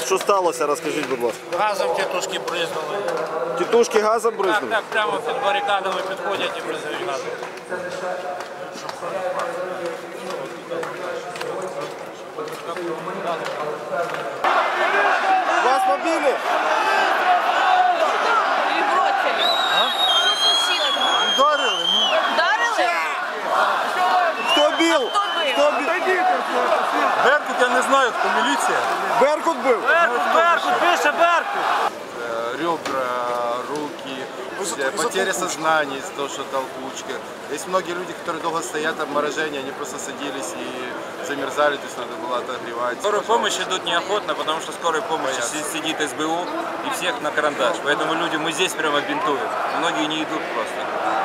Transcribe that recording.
Що сталося, розкажіть, будь ласка. Газом тітушки бризнули. Тітушки газом бризнули? Так, прямо під барикадами підходять і бризають газом. Вас побили? Или бросили? Что случилось? Ударили? Ударили? Хто бив? Кто был? Беркут, я не знаю, хто міліція. Беркут бив? Беркут, пише Беркут! Ребра, руки, потеря сознания из-за того, что толкучка. Есть многие люди, которые долго стоят, обморожение, они просто садились и замерзали, то есть надо было отогревать. Скорую помощь идут неохотно, потому что скорой помощи сидит СБУ и всех на карандаш. Поэтому люди мы здесь прямо бинтуем. Многие не идут просто.